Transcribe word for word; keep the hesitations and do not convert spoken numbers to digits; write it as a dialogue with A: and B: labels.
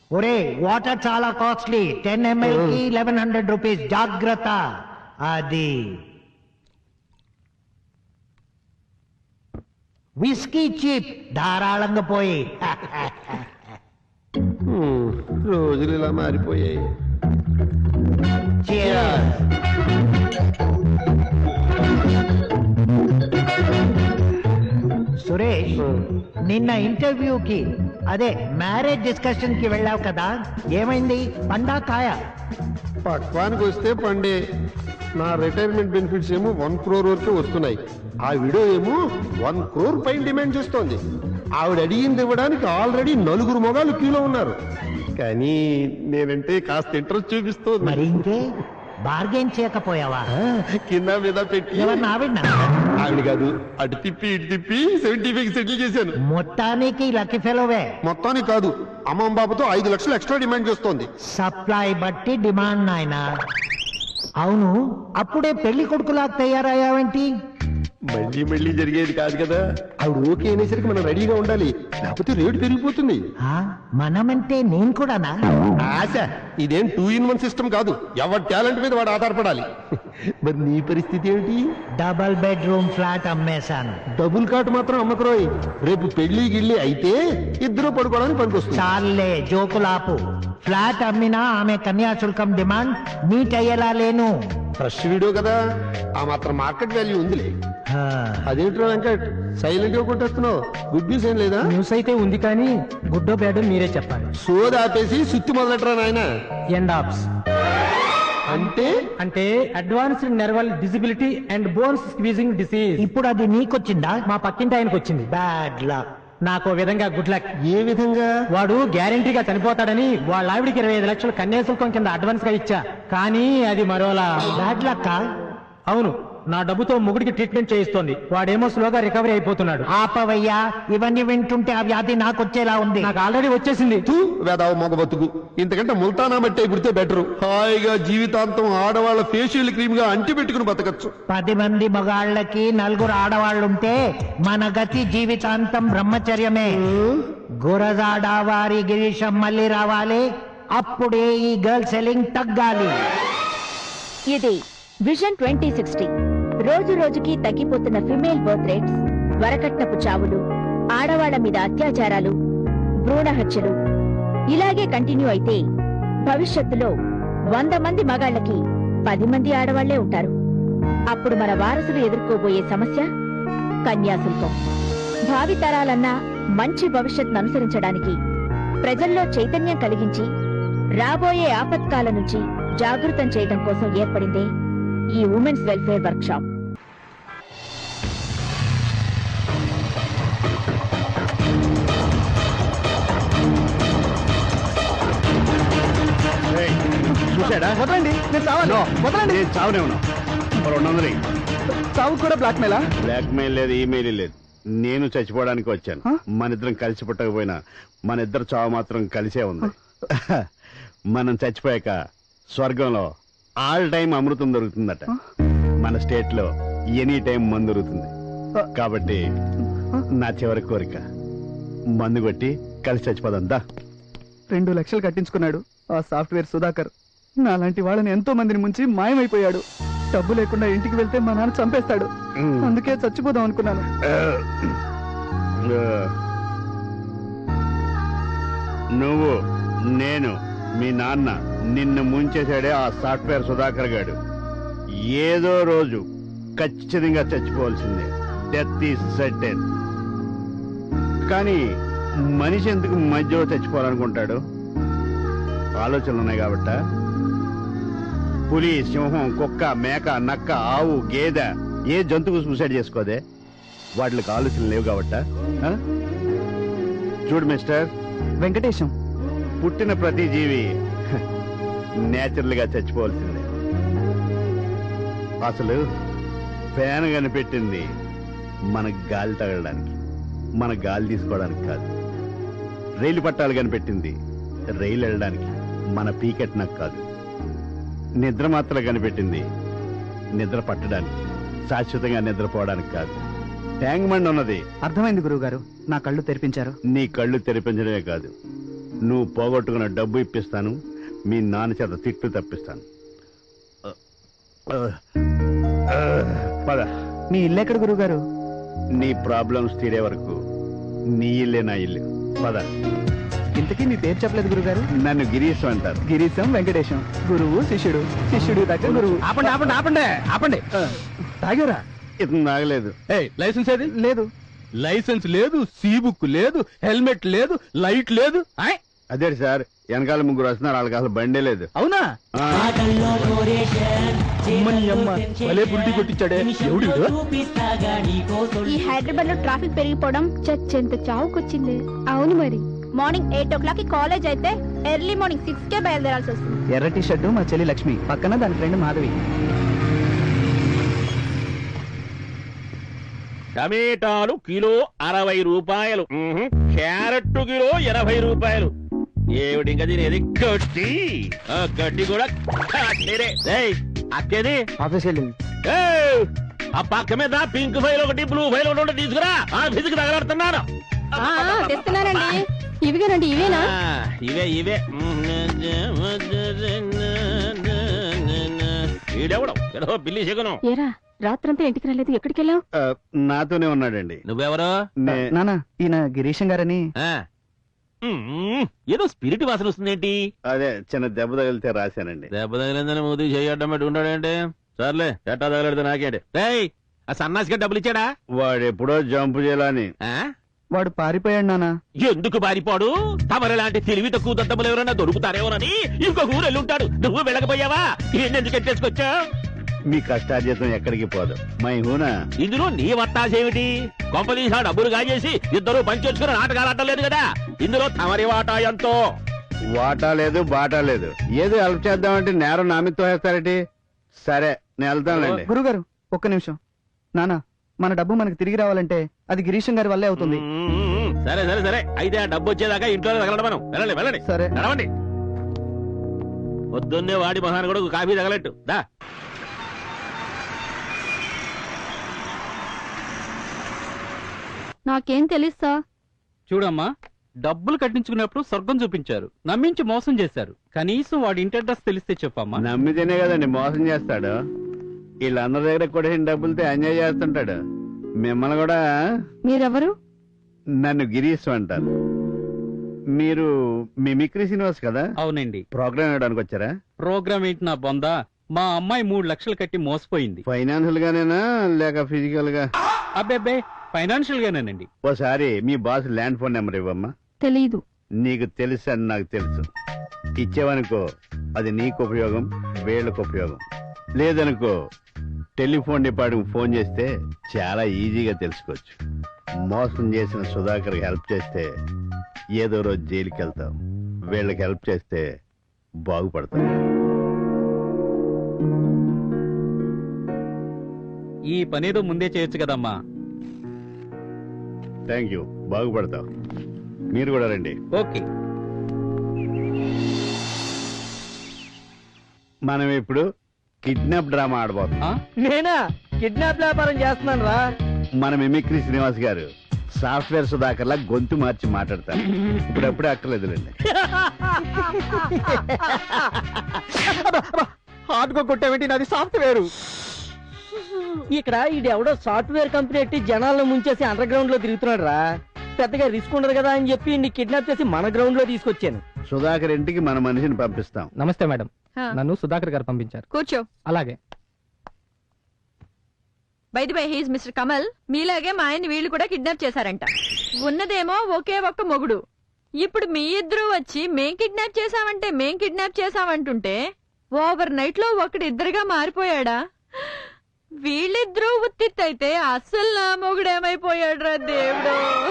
A: ఒరే వాటర్ చాలా costly, ten ML కి లెవెన్ హండ్రెడ్ రూపీస్, జాగ్రత్త. అది విస్కీ చీప్, ధారాళంగా పోయి.
B: రోజులు ఇలా మారిపోయాయి.
A: Cheers. సురేష్, నిన్న ఇంటర్వ్యూకి అదే మ్యారేజ్ డిస్కషన్ కి వెళ్ళావు కదా, ఏమైంది? పండా కాయ?
B: పక్వానికి వస్తే పండే. నా రిటైర్మెంట్ బెనిఫిట్స్ ఏమో వన్ క్రోర్ వరకు వస్తున్నాయి. ఆ విడో ఏమో వన్ క్రోర్ పైన డిమాండ్ చేస్తోంది. ఆవిడ అడిగింది ఇవ్వడానికి ఆల్రెడీ నలుగురు మొగాలు క్యూలో ఉన్నారు. కానీ నేనంటే కాస్త ఇంట్రెస్ట్ చూపిస్తుంది.
A: మరి ఇంకే బార్గెన్ చేయకపోయావా?
B: కింద మీద పెట్టి
A: ఎవరిని? ఆవిడ?
B: ఆవిడ కాదు, అటు తిప్పి ఇటు తిప్పి సెవెంటీ ఫైవ్ సెటిల్ చేశాను.
A: మొత్తానికి లక్కీ ఫెలోవే.
B: మొత్తానికి కాదు, అమ్మమ్మ బాబుతో ఐదు లక్షలు ఎక్స్ట్రా డిమాండ్ చేస్తోంది.
A: సప్లై బట్టి డిమాండ్ నాయనా. అవును, అప్పుడే పెళ్లి కొడుకులా తయారయ్యావేంటి?
B: మళ్ళీ మళ్ళీ జరిగేది కాదు కదా. ఆవిడ ఓకే అనేసరికి మనం రెడీగా ఉండాలి, లేకపోతే రేటు పెరిగిపోతుంది.
A: ఆ, మనమంటే నేను కూడానా?
B: ఆశ, ఇదేం టూ ఇన్ వన్ సిస్టమ్ కాదు. ఎవరి టాలెంట్ మీద వాడు ఆధారపడాలి. మరి నీ పరిస్థితి ఏంటి?
A: డబల్ బెడ్రూమ్ ఫ్లాట్ అమ్మేశాను.
B: డబుల్ కాట్ మాత్రం అమ్మకరోయ్. రేపు పెళ్లి గిళ్ళి అయితే ఇద్దరు పడుకోవడానికి పనికొస్తుంది.
A: చాలే జోకులాపు. ఫ్లాట్ అమ్మినా ఆమె కన్యాశుల్కం డిమాండ్ మీట్ అయ్యేలా లేను.
B: ఫ్రెష్ వీడియో కదా, ఆ మాత్రం మార్కెట్ వాల్యూ ఉందిలే.
A: ఆ,
B: అదేంట్రా వెంకట్, సైలెంట్ గా కొట్టేస్తున్నావు? గుడ్ న్యూస్ ఏం లేదా?
C: న్యూస్ అయితే ఉంది కానీ గుడ్డో బ్యాడో మీరే చెప్పాలి.
B: సోది ఆపేసి సుత్తి మొదలెట్టరా నాయన.
C: ఎండ్ ఆప్స్
B: అంటే
C: అంటే advanced neural disability and bones squeezing disease.
A: ఇప్పుడు అది నీకొచ్చిందా?
C: మా పక్కింటి ఆయనకు వచ్చింది.
A: Bad luck.
C: నాకు విధంగా గుడ్ లక్.
B: ఏ విధంగా?
C: వాడు గ్యారంటీగా చనిపోతాడని వాళ్ళ ఆవిడికి ఇరవై ఐదు లక్షలు కన్యాశుల్కం కింద అడ్వాన్స్ గా ఇచ్చా, కానీ అది మరోలా.
A: Bad luck.
C: అవును, నా డబ్బుతో ముగుడికి ట్రీట్మెంట్ చేయిస్తోంది. వాడేమో స్లోగా రికవరీ అయిపోతున్నాడు.
A: ఆపవయ్యా, ఇవన్నీ వింటుంటే ఆ వ్యాధి నాకు వచ్చేలా ఉంది.
C: నాకు ఆల్రెడీ వచ్చేసింది.
B: తూ వేదావు మొగ బతుకు. ఇంతకంటే ముల్తానా మట్టే పుడితే బెటరు. హాయిగా జీవితాంతం ఆడవాళ్ళ ఫేషియల్ క్రీమ్ గా అంటి పెట్టుకుని బతకచ్చు.
A: పది మంది మగాళ్ళకి నలుగురు ఆడవాళ్ళుంటే మన గతి జీవితాంతం బ్రహ్మచర్యమే. గురజాడ వారి గిరీశం మళ్ళీ రావాలి, అప్పుడే ఈ గర్ల్ సెల్లింగ్ తగ్గాలి.
D: ఇది విజన్ ట్వంటీ సిక్స్టీ. రోజు రోజుకి తగ్గిపోతున్న ఫిమేల్ బర్త్ రేట్స్, వరకట్నపు చావులు, ఆడవాళ్ల మీద అత్యాచారాలు, భ్రూణ హత్యలు ఇలాగే కంటిన్యూ అయితే భవిష్యత్తులో వంద మంది మగాళ్ళకి పది మంది ఆడవాళ్లే ఉంటారు. అప్పుడు మన వారసులు ఎదుర్కోబోయే సమస్య కన్యాశుల్కం. భావితరాలన్నా మంచి భవిష్యత్తును అనుసరించడానికి ప్రజల్లో చైతన్యం కలిగించి రాబోయే ఆపత్కాల నుంచి జాగృతం చేయడం కోసం ఏర్పడిందే ఈ ఉమెన్స్ వెల్ఫేర్ వర్క్ షాప్.
B: చూసాడా?
C: వదలండి, నేను చావాలి. వదలండి.
B: నేను చావనే ఉన్నా. రెండు వందలు
C: చావు కూడా బ్లాక్ మెయిలా?
B: బ్లాక్ మెయిల్ లేదు, ఈమెయిల్ లేదు. నేను చచ్చిపోవడానికి వచ్చాను. మన ఇద్దరం కలిసి పుట్టకపోయినా మన ఇద్దరు చావు మాత్రం కలిసే ఉంది. మనం చచ్చిపోయాక స్వర్గంలో ఆల్ టైం అమృతం దొరుకుతుందట. మన స్టేట్ లో ఎనీ టైం మందు దొరుకుతుంది. కాబట్టి నా చివరి కోరిక మందు కొట్టి కలిసి చచ్చిపోదంతా.
E: రెండు లక్షలు కట్టించుకున్నాడు ఆ సాఫ్ట్వేర్ సుధాకర్. నాలాంటి వాళ్ళని ఎంతో మందిని ముంచి మాయమైపోయాడు. డబ్బు లేకుండా ఇంటికి వెళ్తే మా నాన్న చంపేస్తాడు. అందుకే చచ్చిపోదాం అనుకున్నాను.
B: నువ్వు, నేను, మీ నాన్న నిన్ను ముంచేశాడే ఆ సాఫ్ట్వేర్ సుధాకర్ గాడు. ఏదో రోజు ఖచ్చితంగా చచ్చిపోవాల్సిందే. Death is certain. కానీ మనిషి ఎందుకు మధ్యలో చచ్చిపోవాలనుకుంటాడు? ఆలోచనలు ఉన్నాయి కాబట్ట. పులి, సింహం, కుక్క, మేక, నక్క, ఆవు, గేదె ఏ జంతువు సూసైడ్ చేసుకోదే? వాటికి ఆలోచనలు లేవు కాబట్ట. చూడు మిస్టర్
E: వెంకటేశం,
B: పుట్టిన ప్రతి జీవి నేచురల్ గా చచ్చిపోవాల్సిందే. అసలు ఫ్యాన్ కనిపెట్టింది మన గాలి తగలడానికి, మన గాలి తీసుకోవడానికి కాదు. రైలు పట్టాలు కనిపెట్టింది రైలు వెళ్ళడానికి, మన పీకెట్ నాకు కాదు. నిద్ర మాత్రం కనిపెట్టింది నిద్ర పట్టడానికి, శాశ్వతంగా నిద్రపోవడానికి కాదు. ట్యాంక్ బండ్ ఉన్నది.
E: అర్థమైంది గురువు గారు, నా కళ్ళు తెరిపించారు.
B: నీ కళ్ళు తెరిపించడమే కాదు, నువ్వు పోగొట్టుకున్న డబ్బు ఇప్పిస్తాను, మీ నాన్న చేత తిట్లు తప్పిస్తాను. పద.
E: మీ ఇల్లు ఎక్కడ గురువు గారు?
B: నీ ప్రాబ్లమ్స్ తీరే వరకు నీ ఇల్లే నా ఇల్లు. పద.
E: ఇంతకీ మీ పేరు చెప్పలేదు గురుగారు.
B: నన్ను గిరీశ్ అంటారు.
E: గిరీశం వెంకటేశం, గురువు శిష్యుడు, శిష్యుడు దగ్గర గురువు.
C: ఆపండి ఆపండి ఆపండి ఆపండి తాగారా?
B: ఇతను నాగలేదు.
C: లైసెన్స్ ఏది?
E: లేదు.
C: లైసెన్స్ లేదు, సీ బుక్ లేదు, హెల్మెట్ లేదు, లైట్ లేదు. ఆయ్,
B: అదే సార్, వెనకాల ముగ్గురు వస్తున్నారు, వాళ్ళకి అసలు బండే లేదు.
C: అవునా?
B: ఆ,
C: అమ్మని అమ్మ భలే బుల్టి కొట్టించాడే. ఎవడు వీడు?
F: ఈ హైదరాబాద్ లో ట్రాఫిక్ పెరిగిపోవడం చచ్చెంత చావుకొచ్చింది. అవును మరి, మార్నింగ్ ఎయిట్ ఓ క్లాక్ కి కాలేజ్ అయితే ఎర్లీ మార్నింగ్ సిక్స్ కే బయలుదేరాల్సి వస్తుంది.
E: ఎర్ర టీ షర్టు మా చెల్లి లక్ష్మి, పక్కన దాని ఫ్రెండ్ మాధవి.
G: టమేటాలు కిలో అరవై రూపాయలు, మ్మ్హ్. క్యారెట్ కిలో ఎనభై రూపాయలు. ఏమిటి ఇంకా తినేది? గడ్డి. ఆ గడ్డి కూడా కట్టేదే. ఏయ్, అక్కేది
E: ఆఫీస్ వెళ్ళింది.
G: ఏయ్, ఆ పక్క మీద పింక్ ఫైల్ ఒకటి, బ్లూ ఫైల్ ఒకటి ఉంటే తీసుకురా. ఆ ఫిజిక్ తగలాడుతున్నాను.
F: తెస్తున్నానండి. ఇవిగానండి, ఇవేనా?
G: ఆ, ఇవే ఇవే. ఈడెవడం ఏదో బిల్లి చెగను.
F: ఏరా, రాత్రంతా ఇంటికి రాలేదు, ఎక్కడికి వెళ్ళావు?
B: ఆ, నాతోనే ఉన్నాడండి.
G: నువ్వెవరో?
B: నే-
E: నానా, ఈయన గిరీశం గారని.
G: ఆ. మ్మ్. ఏదో స్పిరిట్ వాసన వస్తుందేంటి?
B: అదే చిన్న దెబ్బ తగిలితే రాశానండి.
G: దెబ్బ తగిలిందని మూతి చేయడం పెట్టి ఉంటాడేంటి? సర్లే, ఎట్టా తగలడితే నాకేంటి? రేయ్, ఆ సన్నాసిగా డబ్బులు ఇచ్చాడా?
B: వాడు ఎప్పుడో జంపు చేయాలని.
G: ఆ?
E: వాడు పారిపోయాడు నానా.
G: ఎందుకు బారిపోడు? తమరు లాంటి తెలివి తక్కువ దద్దములు ఎవరైనా దొరుకుతారేమోనని ఇంకొక ఊరు వెళ్ళుంటాడు. నువ్వు వెళ్ళకపోయావా? ఎందుకు ఎట్టేసుకొచ్చా?
B: మీ కష్టార్జితం ఎక్కడికి పోదు. మై హూనా.
G: ఇందులో నీ వత్తాసేమిటి? కొంపదీసి ఆ డబ్బులు కాజేసి ఇద్దరు పంచొచ్చుకుని నాటకాలు ఆడలేదు కదా. ఇందులో తమరి వాటా ఎంతో?
B: వాటా లేదు, బాటా లేదు. ఏదో హెల్ప్ చేద్దామంటే నేరం నా మీద తోసేస్తారేటి? సరే, నేను వెళ్తానులేండి.
E: గురుగారు ఒక్క నిమిషం. నానా, మన డబ్బు మనకు తిరిగి రావాలంటే అది గిరీశం గారి వల్లే అవుతుంది.
G: మ్మ్. సరే సరే సరే, అయితే ఆ డబ్బు వచ్చేదాకా ఇంట్లో తగలడం మనం. వెళ్ళండి వెళ్ళండి.
E: సరే.
G: నడవండి. పొద్దున్నే వాడి మహాన్ కూడా కాఫీ తగలట్టు దా.
F: నాకేం తెలుసా?
C: చూడమ్మా, డబ్బులు కట్టించుకున్నప్పుడు స్వర్గం చూపించారు, నమ్మించి మోసం చేశారు. కనీసం వాడి ఇంటి అడ్రస్ తెలిస్తే చెప్పమ్మా.
B: నమ్మితేనే కదండి మోసం చేస్తాడు. వీళ్ళందరి దగ్గర కూడా డబ్బులతో ఎంజాయ్ చేస్తుంటాడు. మిమ్మల్ని కూడా.
F: మీరెవరు?
B: నన్ను గిరీశ్ అంటారు. మీరు మిమిక్రీ శ్రీనివాస్ కదా?
C: అవునండి.
B: ప్రోగ్రామ్ ఇవ్వడానికి వచ్చారా?
C: ప్రోగ్రామ్ ఏంటి నా బొందా? మా అమ్మాయి మూడు లక్షలు కట్టి మోసపోయింది.
B: ఫైనాన్షియల్ గానేనా లేక ఫిజికల్ గా?
C: అబ్బే, ఫైనాన్షియల్ గానేనండి.
B: ఓసారి మీ బాస్ ల్యాండ్ ఫోన్ నెంబర్ ఇవ్వమ్మా.
F: తెలీదు.
B: నీకు తెలుసు అని నాకు తెలుసు. ఇచ్చేవనుకో అది నీకు ఉపయోగం, వీళ్ళకు ఉపయోగం. లేదనుకో టెలిఫోన్ డిపార్ట్మెంట్ ఫోన్ చేస్తే చాలా ఈజీగా తెలుసుకోవచ్చు. మోసం చేసిన సుధాకర్ హెల్ప్ చేస్తే ఏదో రోజు జైలుకి వెళ్తాం. వీళ్ళకి హెల్ప్ చేస్తే బాగుపడతాం.
C: ఈ పనేదో ముందే చేయొచ్చు కదమ్మా.
B: థ్యాంక్ యూ, బాగుపడతాం. మీరు కూడా రండి.
C: ఓకే.
B: మనం ఇప్పుడు కిడ్నాప్ డ్రామా ఆడబోతున్నాం.
H: నేనా కిడ్నాప్ వ్యాపారం చేస్తున్నాను రా.
B: మన మిమిక్రీ శ్రీనివాస్ గారు సాఫ్ట్వేర్ సుధాకర్ లా గొంతు మార్చి మాట్లాడతారు. ఇప్పుడప్పుడే అక్కర్లేదులేండి.
E: హార్డ్ గా కొట్టావేంటి? నాది సాఫ్ట్వేర్.
H: ఇక్కడ ఇది ఎవడో సాఫ్ట్వేర్ కంపెనీ ఎట్టి జనాలను ముంచేసి అండర్ గ్రౌండ్ లో తిరుగుతున్నాడు రా. పెద్దగా రిస్క్ ఉండదు కదా అని చెప్పి ఇన్ని కిడ్నాప్ చేసి మన గ్రౌండ్ లో తీసుకొచ్చాను.
B: సుధాకర్ ఇంటికి మన మనిషిని పంపిస్తాం.
C: నమస్తే మేడం, నన్ను సుధాకర్ గారు పంపించారు.
I: కూర్చో.
C: అలాగే.
I: By the by, he's mister Kamal. మీలాగే మా ఆయన వీళ్ళు కూడా కిడ్నాప్ చేశారంట. ఉన్నదేమో ఒకే ఒక్క మొగుడు. ఇప్పుడు మీ ఇద్దరు వచ్చి మేం కిడ్నాప్ చేశామంటే మేం కిడ్నాప్ చేశామంటుంటే ఓవర్ నైట్ లో ఒకటి ఇద్దరుగా మారిపోయాడా? వీళ్ళిద్దరూ ఉత్తిత్తైతే అస్సలు నా మొగుడేమైపోయాడు రా దేవుడు.